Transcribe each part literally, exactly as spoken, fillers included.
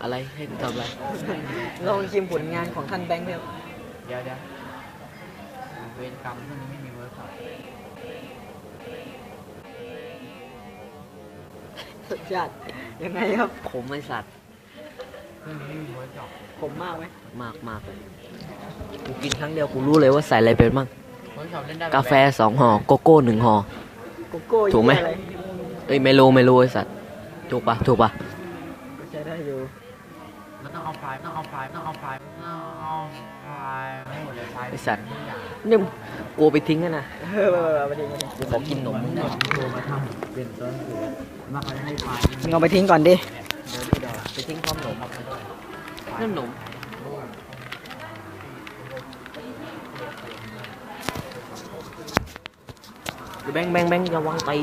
อะไรให้กูทำอะไรลองชิมผลงานของท่านแบงค์ครับเดี๋ยวเดี๋ยวเวรกรรมพวกนี้ไม่มีเวิร์กช็อปรสชาติยังไงครับผมไม่สัตว์พวกนี้ไม่มีเวิร์กช็อปผมมากไหมมากมากเลยกูกินครั้งเดียวกูรู้เลยว่าใส่อะไรเป็นบ้างเวิร์กช็อปเล่นได้กาแฟสองห่อโกโก้หนึ่งห่อโกโก้ถูกไหมอะไรเอ้ยไม่รู้ไม่รู้ไอ้สัตว์ถูกปะถูกปะก็ใช้ได้อยู่มันต้องเอาไฟล์ต้องเอาไฟล์ต้องเอาไฟล์ต้องเอาไฟล์ไม่หมดเลยไฟล์ไอ้สัตว์ทุกอย่างเนี่ยกลัวไปทิ้งกันนะเออเอาไปทิ้งก่อนดิกูขอกินนมมึงหน่อยโทรมาทำเป็นต้นสูตรมาเขาจะให้ไฟล์มึงเอาไปทิ้งก่อนดิเดินที่เดินไปทิ้งพร้อมนมครับไปด้วยนั่นนมแบงค์แบงค์แบงค์ระวังตี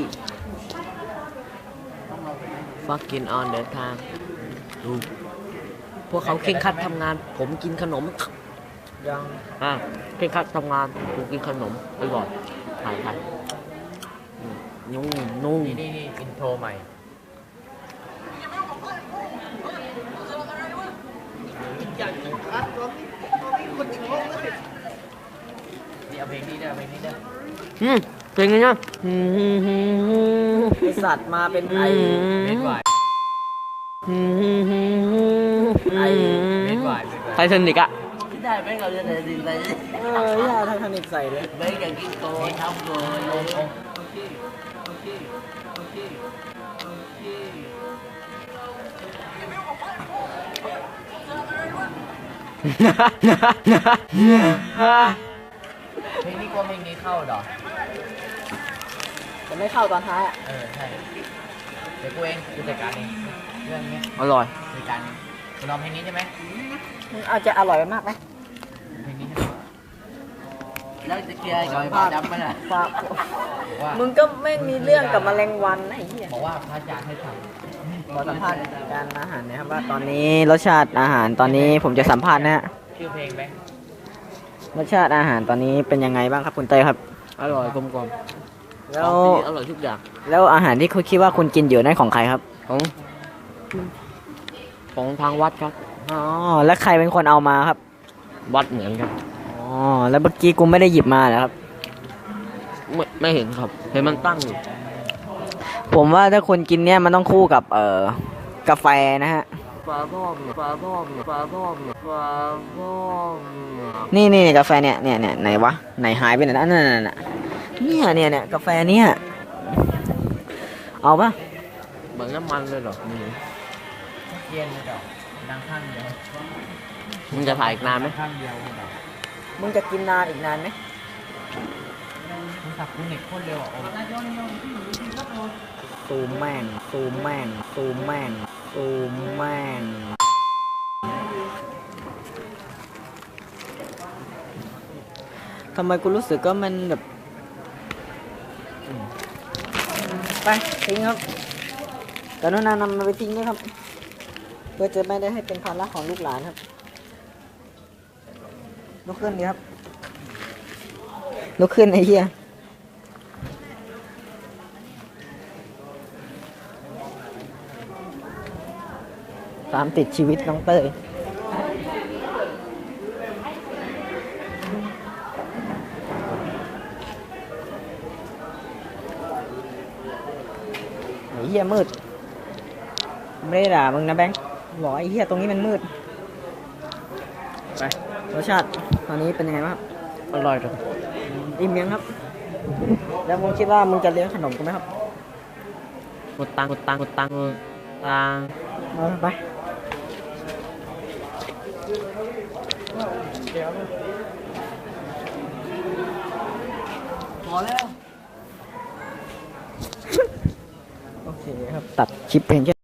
fucking on the time ดูพวกเขาเคร่งครัดทำงาน ผมกินขนมยังอ่ะเคร่งครัดทำงานกูกินขนมไปก่อนถ่ายถ่ายอืมนุ่งนุ่งนี่นี่นี่อินโทรใหม่นี่เอาเพลงนี้ด้วยเอาเพลงนี้ด้วยอืมเป็นไงเนี่ยอืมไอสัตว์มาเป็นไอเมดไวน์อืมไอเมดไวน์ไททานิกอะได้ไหมเราจะได้ดีไปเออย่าไททานิกใส่เลยไม่กันกินโตทำโดยโอเคโอเคโอเคโอเคโอเคเพลงนี้กลัวเพลงนี้เข้าดอกจะไม่เข้าตอนท้ายอ่ะเออใช่เดี๋ยวกูเองกูจัดการเองเรื่องนี้อร่อยจัดการเองคุณลองเพลงนี้ใช่ไหมมึงอาจจะอร่อยมากไหมเพลงนี้ใช่ไหมแล้วจะเคลียร์กับไอ้พ่อดำมันอ่ะฝากบอกว่ามึงก็ไม่มีเรื่องกับแมลงวันนะไอ้เหี้ยบอกว่าพระอาจารย์ให้ทขอสัมภาษณ์การอาหารนะครับว่าตอนนี้รสชาติอาหารตอนนี้ผมจะสัมภาษณ์นะฮะำชื่อเพลงแบงค์รสชาติอาหารตอนนี้เป็นยังไงบ้างครับคุณเต้ยครับอร่อยกลมกลมแล้วอร่อยทุกอย่างแล้วอาหารที่คุณคิดว่าคุณกินอยู่นั่นของใครครับของของทางวัดครับอ๋อแล้วใครเป็นคนเอามาครับวัดเหมือนกันอ๋อแล้วเมื่อกี้กูไม่ได้หยิบมาเหรอครับไม่ไม่เห็นครับ เห็นมันตั้งอยู่ผมว่าถ้าคุณกินเนี่ยมันต้องคู่กับเอ่อกาแฟนะฮะปลาบ้องปลาบ้องปลาบ้องปลาบ้องนี่นี่กาแฟเนี่ยเนี่ยเนี่ยไหนวะไหนหายไปไหนนะนั่นนั่นน่ะเนี่ยเนี่ยเนี่ยกาแฟเนี่ยเอาปะเหมือนน้ำมันเลยเหรอมึงเทียนเลยดอกดังข้างเดียวมึงจะถ่ายอีกนานไหมข้างเดียวเลยดอกมึงจะกินนานอีกนานไหมมึงสับกูเน็ตโคตรเร็วอ่ะโอ้ซูมแม่งซูมแม่งซูมแม่งซูมแม่งทำไมกูรู้สึกว่ามันแบบไปทิ้งครับกรุณานำมันไปทิ้งด้วยครับ เพื่อจะไม่ได้ให้เป็นภาระของลูกหลานครับลุกขึ้นดีครับลุกขึ้นไอ้เหี้ยตามติดชีวิตน้องเต้ยไอ้เหี้ยมืดไม่ได้ด่ามึงนะแบงค์บอกไอ้เหี้ยตรงนี้มันมืดไปรสชาติตอนนี้เป็นยังไงบ้างครับอร่อยจังอิ่มยังครับ แล้วมึงคิดว่ามึงจะเลี้ยงขนมกูไหมครับกดตังกดตังกดตังตังเออไปพอแล้ว โอเคครับ ตัดคลิปเพลงแค่